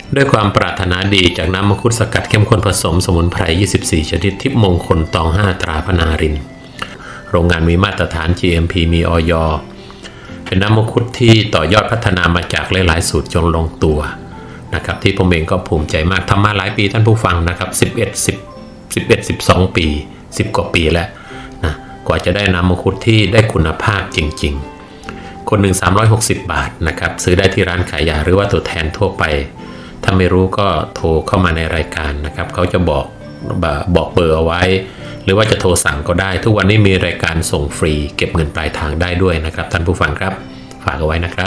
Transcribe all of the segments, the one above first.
ด้วยความปรารถนาดีจากน้ำมังคุดสกัดเข้มข้นผสมสมุนไพร 24 ชนิดทิพย์มงคลตอง 5 ตราพนารินโรงงานมีมาตรฐาน GMP มีอย.เป็นน้ำมังคุดที่ต่อยอดพัฒนามาจากหลายๆสูตรจนลงตัวนะครับที่ผมเองก็ภูมิใจมากทำมาหลายปีท่านผู้ฟังนะครับ12 ปี 10 กว่าปีแล้วนะกว่าจะได้น้ำมังคุดที่ได้คุณภาพจริงๆคนหนึ่ง360 บาทนะครับซื้อได้ที่ร้านขายยาหรือว่าตัวแทนทั่วไปถ้าไม่รู้ก็โทรเข้ามาในรายการนะครับเขาจะบอกเบอร์เอาไว้หรือว่าจะโทรสั่งก็ได้ทุกวันนี้มีรายการส่งฟรีเก็บเงินปลายทางได้ด้วยนะครับท่านผู้ฟังครับฝากเอาไว้นะครับ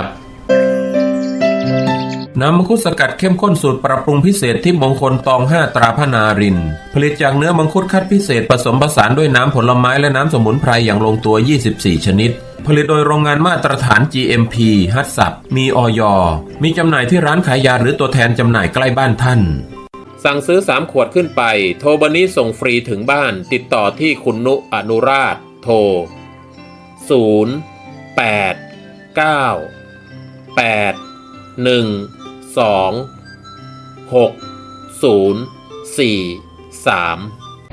น้ำมังคุดสกัดเข้มข้นสูตรปรับปรุงพิเศษที่มงคลตอง 5 ตราพนารินผลิตจากเนื้อมังคุดคัดพิเศษผสมผสานด้วยน้ำผลไม้และน้ำสมุนไพรอย่างลงตัว 24 ชนิดผลิตโดยโรงงานมาตรฐาน GMP ฮัตสับมีอย.มีจำหน่ายที่ร้านขายยาหรือตัวแทนจำหน่ายใกล้บ้านท่านสั่งซื้อ3 ขวดขึ้นไปโทรบันนี้ส่งฟรีถึงบ้านติดต่อที่คุณนุอนุราชโทร0 8 9 8 1 2 6 0 4 3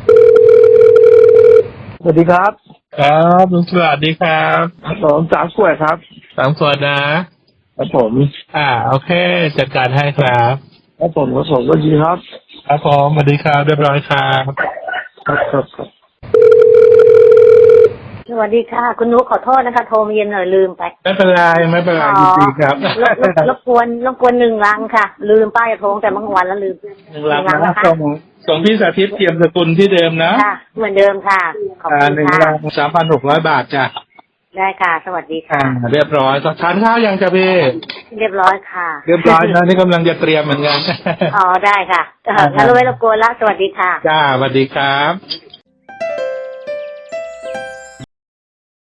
สวัสดีครับครับลุงสวัสดีครับผม3 ขวดครับ 3 ขวดนะครับผมโอเคจัดการให้ครับครับผมก็ดีครับครับผมสวัสดีครับเรียบร้อยครับครับสวัสดีค่ะคุณนุขอโทษนะคะโทรมาเย็นหน่อยลืมไปไม่เป็นไรยินดีครับรบกวน1 ลังค่ะลืมป้ายโทรแต่เมื่อวันแล้วลืม 1 ลังนะคะส่งพี่สาธิตเทียมสกุลที่เดิมนะค่ะเหมือนเดิมค่ะขอบคุณค่ะ 1 ลัง 3,600 บาทจ้ะได้ค่ะสวัสดีค่ะเรียบร้อยทานข้าวยังจ้ะพี่เรียบร้อยค่ะเรียบร้อยนะนี่กำลังจะเตรียมเหมือนกันอ๋อได้ค่ะงั้นไว้รบกวนละสวัสดีค่ะจ้าสวัสดีครับ